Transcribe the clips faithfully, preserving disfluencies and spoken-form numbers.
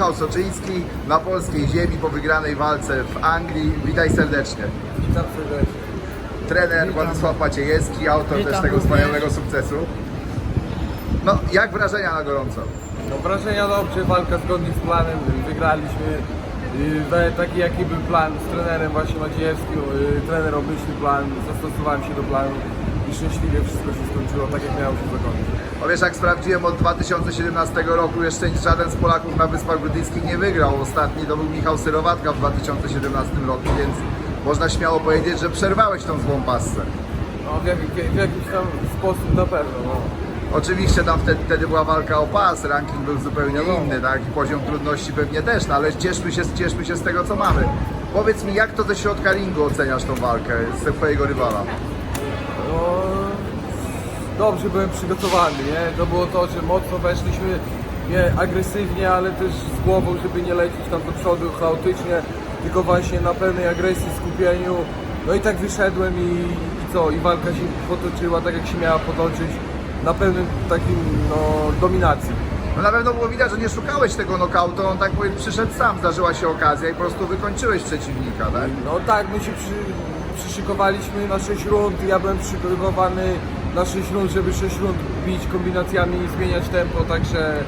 Michał Soczyński na polskiej ziemi po wygranej walce w Anglii. Witaj serdecznie. Witam serdecznie. Trener Witam. Władysław Maciejewski, autor Witam też tego również. wspaniałego sukcesu. No, jak wrażenia na gorąco? No wrażenia dobrze, walka zgodnie z planem, wygraliśmy. Yy, Taki jaki był plan z trenerem właśnie Maciejewskim, yy, trener obmyślił plan, zastosowałem się do planu i szczęśliwie wszystko się skończyło tak jak miało się zakończyć. No wiesz, jak sprawdziłem, od dwa tysiące siedemnastego roku jeszcze żaden z Polaków na Wyspach Brytyjskich nie wygrał. Ostatni to był Michał Syrowatka w dwa tysiące siedemnastym roku, więc można śmiało powiedzieć, że przerwałeś tą złą passę. No w, jak, w jakiś tam sposób na pewno. No. Oczywiście tam wtedy, wtedy była walka o pas, ranking był zupełnie inny, tak? I poziom trudności pewnie też, no ale cieszmy się, cieszmy się z tego, co mamy. Powiedz mi, jak to ze środka ringu oceniasz tą walkę z twojego rywala? No, dobrze byłem przygotowany, nie? To było to, że mocno weszliśmy, nie agresywnie, ale też z głową, żeby nie lecieć tam do przodu chaotycznie, tylko właśnie na pełnej agresji, skupieniu. No i tak wyszedłem i, i co? I walka się potoczyła tak, jak się miała potoczyć, na pełnym takim, no, dominacji. No na pewno było widać, że nie szukałeś tego nokautu, on tak powiem przyszedł sam, zdarzyła się okazja i po prostu wykończyłeś przeciwnika, tak? No tak, my się przy, przyszykowaliśmy na sześć rund, ja byłem przygotowany na sześć rund, żeby sześć rund bić kombinacjami i zmieniać tempo, także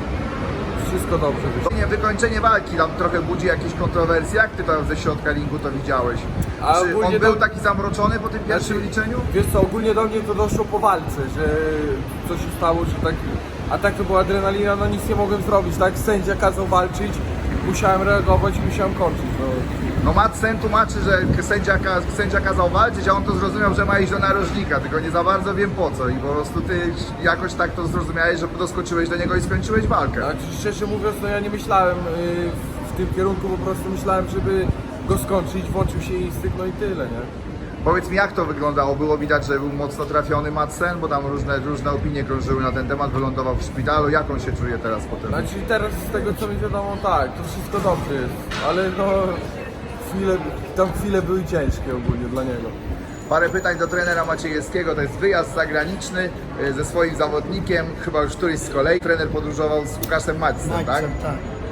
wszystko dobrze wyszło. Nie, wykończenie walki tam trochę budzi jakieś kontrowersje, jak ty tam ze środka ringu to widziałeś? A Czy ogólnie on był to- taki zamroczony po tym pierwszym Znaczy, liczeniu? Wiesz co, ogólnie do mnie to doszło po walce, że co się stało, że tak, a tak to była adrenalina, no nic nie mogłem zrobić, tak? Sędzia kazał walczyć, musiałem reagować i musiałem kończyć. No. No Madsen tłumaczy, że sędzia, ka- sędzia kazał walczyć, a on to zrozumiał, że ma iść do narożnika, tylko nie za bardzo wiem po co i po prostu ty jakoś tak to zrozumiałeś, że doskoczyłeś do niego i skończyłeś walkę. Znaczy, szczerze mówiąc, no ja nie myślałem yy, w, w tym kierunku, po prostu myślałem, żeby go skończyć, włączył się instynkt, no i tyle, nie? Powiedz mi, jak to wyglądało? Było widać, że był mocno trafiony Madsen, bo tam różne, różne opinie krążyły na ten temat, wylądował w szpitalu. Jak on się czuje teraz po tym? Znaczy teraz z tego co mi wiadomo, tak, to wszystko dobrze jest, ale no chwile, tam chwile były ciężkie ogólnie dla niego. Parę pytań do trenera Maciejewskiego. To jest wyjazd zagraniczny y, ze swoim zawodnikiem, chyba już któryś z kolei. Trener podróżował z Łukaszem Madsen, tak? Maćcem, tak.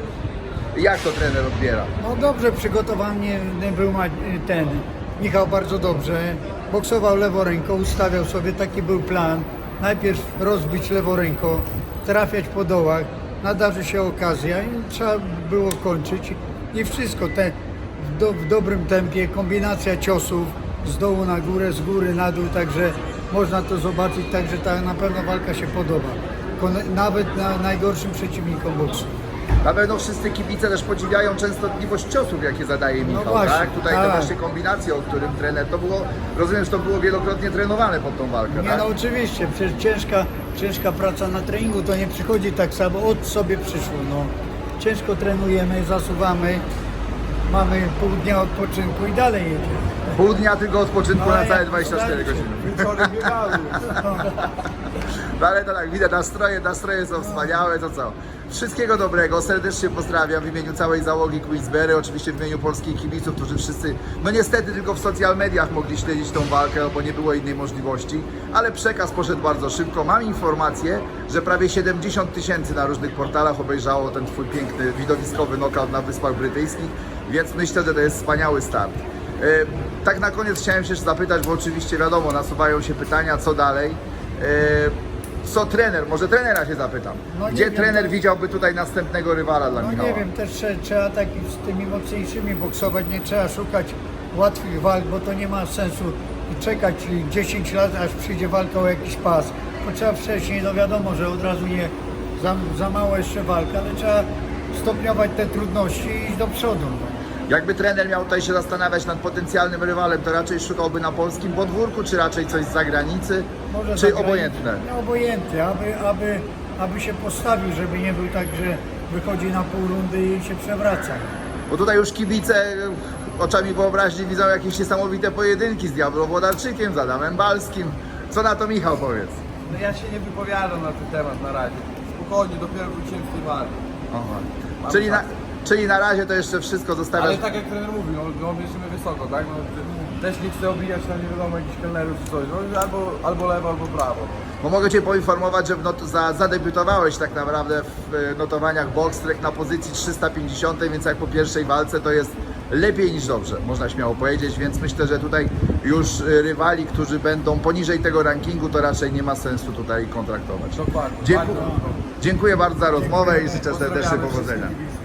Jak to trener odbiera? No dobrze przygotowany był Ma- ten Michał bardzo dobrze. Boksował lewą ręką, ustawiał sobie, taki był plan. Najpierw rozbić lewą ręką, trafiać po dołach, nadarzy się okazja i trzeba było kończyć. I wszystko te w, do, w dobrym tempie, kombinacja ciosów z dołu na górę, z góry na dół, także można to zobaczyć, także ta na pewno walka się podoba. Kon- Nawet na najgorszym przeciwnikom boksu. Na pewno wszyscy kibice też podziwiają częstotliwość ciosów, jakie zadaje Michał, właśnie, tak? Tutaj te tak. właśnie kombinacje, o którym trener, to było, rozumiem, że to było wielokrotnie trenowane pod tą walkę, Nie tak? no oczywiście, przecież ciężka, ciężka praca na treningu to nie przychodzi tak samo, od sobie przyszło. No. Ciężko trenujemy, zasuwamy, mamy pół dnia odpoczynku i dalej jedziemy. Pół dnia tylko odpoczynku No, na całe jak dwadzieścia cztery wystarczy. godziny. Wieczorem biegały. No ale to tak, widać, nastroje, nastroje są wspaniałe, to co? Wszystkiego dobrego, serdecznie pozdrawiam w imieniu całej załogi Queensberry, oczywiście w imieniu polskich kibiców, którzy wszyscy, no niestety tylko w social mediach mogli śledzić tą walkę, bo nie było innej możliwości, ale przekaz poszedł bardzo szybko. Mam informację, że prawie siedemdziesiąt tysięcy na różnych portalach obejrzało ten twój piękny, widowiskowy knockout na Wyspach Brytyjskich, więc myślę, że to jest wspaniały start. E, tak na koniec chciałem się jeszcze zapytać, bo oczywiście wiadomo, nasuwają się pytania, co dalej. E, Co trener, może trenera się zapytam. No nie Gdzie wiem, trener to- widziałby tutaj następnego rywala dla No Michała? nie wiem, też trze- trzeba tak z tymi mocniejszymi boksować, nie trzeba szukać łatwych walk, bo to nie ma sensu czekać dziesięć lat, aż przyjdzie walka o jakiś pas. Bo trzeba wcześniej, no wiadomo, że od razu nie za, za mało jeszcze walka, ale trzeba stopniować te trudności i iść do przodu. No. Jakby trener miał tutaj się zastanawiać nad potencjalnym rywalem, to raczej szukałby na polskim podwórku, czy raczej coś z zagranicy, Może czy zagranicy- obojętne? No, obojętne, aby, aby, aby się postawił, żeby nie był tak, że wychodzi na pół rundy i się przewraca. Bo tutaj już kibice oczami wyobraźni widzą jakieś niesamowite pojedynki z Diablo Włodarczykiem, z Adamem Balskim. Co na to Michał powiedz? No ja się nie wypowiadam na ten temat na razie. Spokojnie, dopiero wróciłem z tej walki. Aha. Mam Czyli na, czas. czyli na razie to jeszcze wszystko zostawiasz. Ale tak jak trener mówił, no, no bierzemy wysoko, tak? No, też nie chcę obijać na nie wiadomo jakichś kelnerów czy coś, no, albo, albo lewo, albo prawo. Bo mogę Cię poinformować, że w not- za, zadebiutowałeś tak naprawdę w e, notowaniach Boxrec na pozycji trzysta pięćdziesiąt, więc jak po pierwszej walce to jest lepiej niż dobrze, można śmiało powiedzieć, więc myślę, że tutaj już e, rywali, którzy będą poniżej tego rankingu, to raczej nie ma sensu tutaj kontraktować. Dokładnie. Dziękuję, Bardzo. dziękuję bardzo za rozmowę i życzę serdecznie Pozdrawiamy powodzenia. wszystkich kibiców.